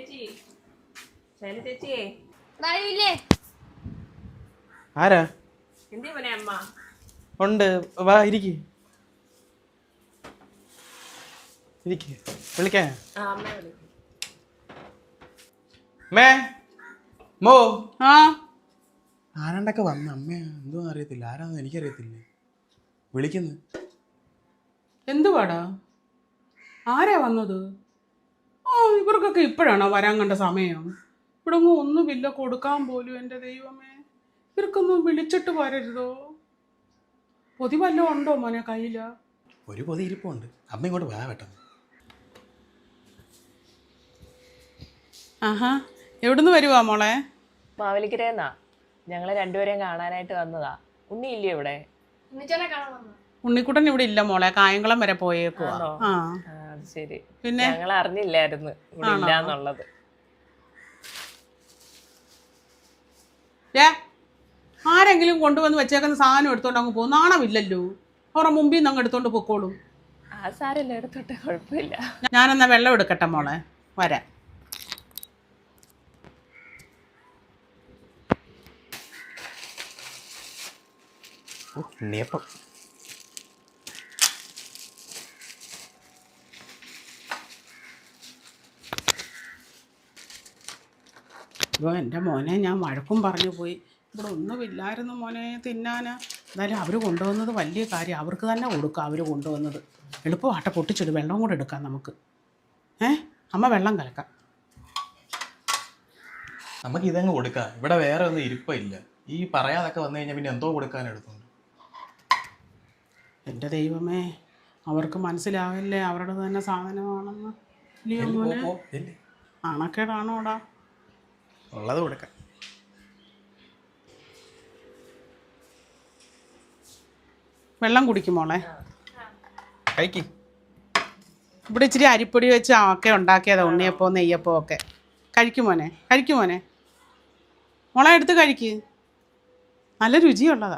ആരാ ഉണ്ട് വാ ഇരിക്ക് വിളിക്കാൻ മേ മോ ആരാണ്ടൊക്കെ വന്ന അമ്മ എന്തോ അറിയത്തില്ല ആരാന്ന് എനിക്കറിയത്തില്ല വിളിക്കുന്നു എന്തുവാടാ ആരാ വന്നത്? ഇവർക്കൊക്കെ ഇപ്പോഴാണോ വരാൻ കണ്ട സമയം? ഇവിടെ ഒന്നുമില്ല കൊടുക്കാൻ പോലും. എൻ്റെ ദൈവമേ, ഇവർക്കൊന്നും വിളിച്ചിട്ട് വരരുതോ? പൊതി വല്ലതും ഉണ്ടോ മോനെ കയ്യില? ഒരു പൊതി ഇരിപ്പുണ്ട്. അമ്മ ഇങ്ങോട്ട് വാ പെട്ടെന്ന്. ആഹാ, എവിടുന്ന് വരുവാ മോളെ? മാവേലിക്കരേന്നാ. ഞങ്ങളെ രണ്ടുപേരെയും കാണാനായിട്ട് വന്നതാ. ഉണ്ണി ഇല്ലേ ഇവിടെ? ഉണ്ണിക്കുട്ടൻ ഇവിടെ ഇല്ല മോളെ, കായംകുളം വരെ പോയേക്കുവാ. അത് ശരി. പിന്നെ ഞങ്ങൾ അറിഞ്ഞില്ലായിരുന്നു ഇവിടെ ഇല്ലാന്നുള്ളത്. ആരെങ്കിലും കൊണ്ടുവന്ന് വെച്ചേക്കുന്ന സാധനം എടുത്തോണ്ട് അങ്ങ് പോകും. നാണമില്ലല്ലോ. അവരുടെ മുമ്പിൽ നിന്ന് അങ്ങ് എടുത്തോണ്ട് പൊക്കോളും. ആ സാരല്ല, എടുത്തോട്ടെ, കുഴപ്പമില്ല. ഞാനെന്നാ വെള്ളം എടുക്കട്ടെ മോളെ, വരാം. ഉണ്ണിയപ്പം എൻ്റെ മോനെ ഞാൻ വഴക്കും പറഞ്ഞു പോയി. ഇവിടെ ഒന്നുമില്ലായിരുന്നു മോനെ തിന്നാനാ. എന്നാലും അവർ കൊണ്ടുവന്നത് വലിയ കാര്യം. അവർക്ക് തന്നെ കൊടുക്കുക. അവർ കൊണ്ടുവന്നത് എളുപ്പമാട്ടെ, പൊട്ടിച്ചിട്ട് വെള്ളം കൂടെ എടുക്കാം നമുക്ക്. അമ്മ വെള്ളം കലക്കാം. നമുക്ക് ഇതങ്ങ് കൊടുക്കാം. ഇവിടെ വേറെ ഒന്നും ഇരിപ്പില്ല. ഈ പറയാതൊക്കെ വന്നു കഴിഞ്ഞാൽ പിന്നെ എന്തോ കൊടുക്കാൻ എടുത്തുണ്ട്. എൻ്റെ ദൈവമേ, അവർക്ക് മനസ്സിലാവില്ലേ അവരുടെ തന്നെ സാധനമാണെന്ന്. ആണക്കേടാണോടാ? ഉള്ളത് കൊടുക്കാം. വെള്ളം കുടിക്കും മോളെ. കഴിക്ക്. ഇവിടെ ഇച്ചിരി അരിപ്പൊടി വെച്ച് ഒക്കെ ഉണ്ടാക്കിയതാ ഉണ്ണിയപ്പോ നെയ്യപ്പോ ഒക്കെ. കഴിക്കുമോനെ, കഴിക്കുമോനെ. മോളെ എടുത്ത് കഴിക്ക്, നല്ല രുചിയുള്ളതാ.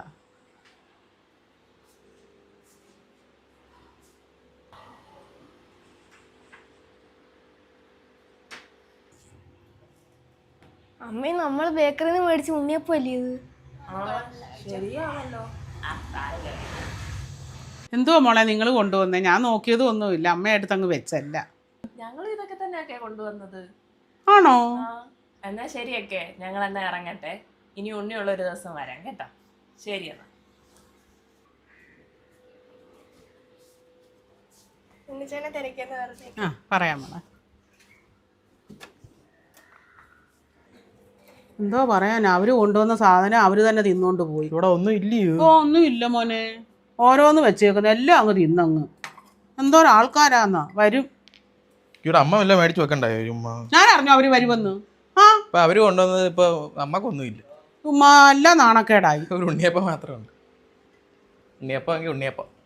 അമ്മ നമ്മൾ ബേക്കറിയിൽ നിന്ന് മേടിച്ച് ഉണ്ണിയപ്പം അല്ലേ ഇത്? ശരിയാണല്ലോ. എന്തുവാ മോളെ നിങ്ങൾ കൊണ്ടുവന്നേ? ഞാൻ നോക്കിയതും ഒന്നുമില്ല. അമ്മയടുത്ത് അങ്ങ് വെച്ചല്ല. ഞങ്ങൾ ഇതൊക്കെ തന്നെയൊക്കെ കൊണ്ടുവന്നത്. ആണോ? എന്നാ ശരിയൊക്കെ, ഞങ്ങൾ എന്നാ ഇറങ്ങട്ടെ. ഇനി ഉണ്ണിയുള്ള ഒരു ദിവസം വരാം കേട്ടോ. ശരി എന്നാ. ഉണ്ണിച്ചേനെ തിരക്കിയെന്ന് പറഞ്ഞു. പറയാം മോളെ. എന്തോ പറയാൻ, അവര് കൊണ്ടുവന്ന സാധനം അവര് തന്നെ തിന്നോണ്ട് പോയി. ഇവിടെ ഒന്നും ഇല്ലയോ? ഒന്നും ഇല്ല മോനെ, ഓരോന്ന് വെച്ചേക്കുന്ന എല്ലാം അങ്ങ് തിന്നങ്ങ്. എന്തോരാൾക്കാരാന്നാ. വരും. ഇവിടെ അമ്മ വല്ല മേടിച്ചു വെക്കണ്ടായോ? ചുമ്മാ ഞാൻ അറിഞ്ഞു അവര് വരുമെന്ന്. ഇപ്പൊ അവര് കൊണ്ടുവന്നത് ഇപ്പൊ അമ്മക്കൊന്നുമില്ല. ചുമ്മാ എല്ലാം നാണക്കേടായി. ഒരു ഉണ്ണിയപ്പം മാത്രമുണ്ട്. ഉണ്ണിയപ്പം എങ്കിൽ ഉണ്ണിയപ്പം.